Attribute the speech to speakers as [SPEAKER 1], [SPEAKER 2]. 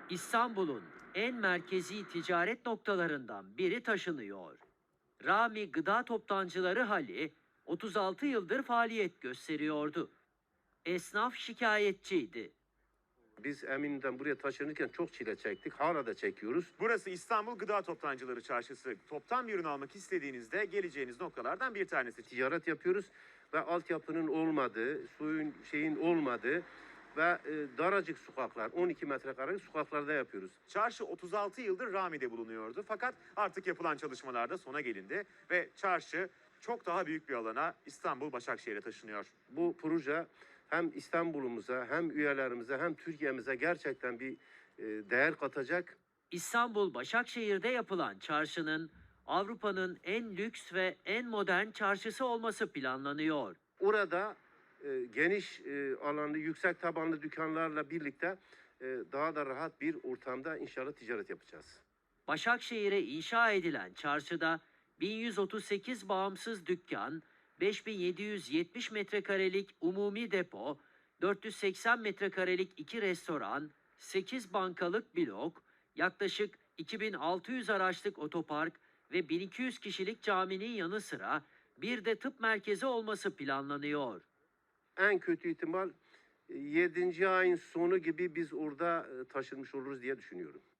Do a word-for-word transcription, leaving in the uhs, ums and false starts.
[SPEAKER 1] İstanbul'un en merkezi ticaret noktalarından biri taşınıyor. Rami Gıda Toptancıları Hali otuz altı yıldır faaliyet gösteriyordu. Esnaf şikayetçiydi.
[SPEAKER 2] Biz Emin'den buraya taşınırken çok çile çektik. Hala da çekiyoruz.
[SPEAKER 3] Burası İstanbul Gıda Toptancıları Çarşısı. Toptan bir ürün almak istediğinizde geleceğiniz noktalardan bir tanesi.
[SPEAKER 2] Ticaret yapıyoruz ve altyapının olmadığı, suyun şeyin olmadığı ve e, daracık sokaklar, on iki metrekarelik sokaklarda yapıyoruz.
[SPEAKER 3] Çarşı otuz altı yıldır Rami'de bulunuyordu. Fakat artık yapılan çalışmalarda sona gelindi ve çarşı çok daha büyük bir alana İstanbul Başakşehir'e taşınıyor.
[SPEAKER 2] Bu proje hem İstanbul'umuza hem üyelerimize hem Türkiye'mize gerçekten bir e, değer katacak.
[SPEAKER 1] İstanbul Başakşehir'de yapılan çarşının Avrupa'nın en lüks ve en modern çarşısı olması planlanıyor.
[SPEAKER 2] Orada e, geniş e, alanlı, yüksek tabanlı dükkanlarla birlikte e, daha da rahat bir ortamda inşallah ticaret yapacağız.
[SPEAKER 1] Başakşehir'e inşa edilen çarşıda bin yüz otuz sekiz bağımsız dükkan, beş bin yedi yüz yetmiş metrekarelik umumi depo, dört yüz seksen metrekarelik iki restoran, sekiz bankalık blok, yaklaşık iki bin altı yüz araçlık otopark ve bin iki yüz kişilik caminin yanı sıra bir de tıp merkezi olması planlanıyor.
[SPEAKER 2] En kötü ihtimal e, yedinci ayın sonu gibi biz orada e, taşınmış oluruz diye düşünüyorum.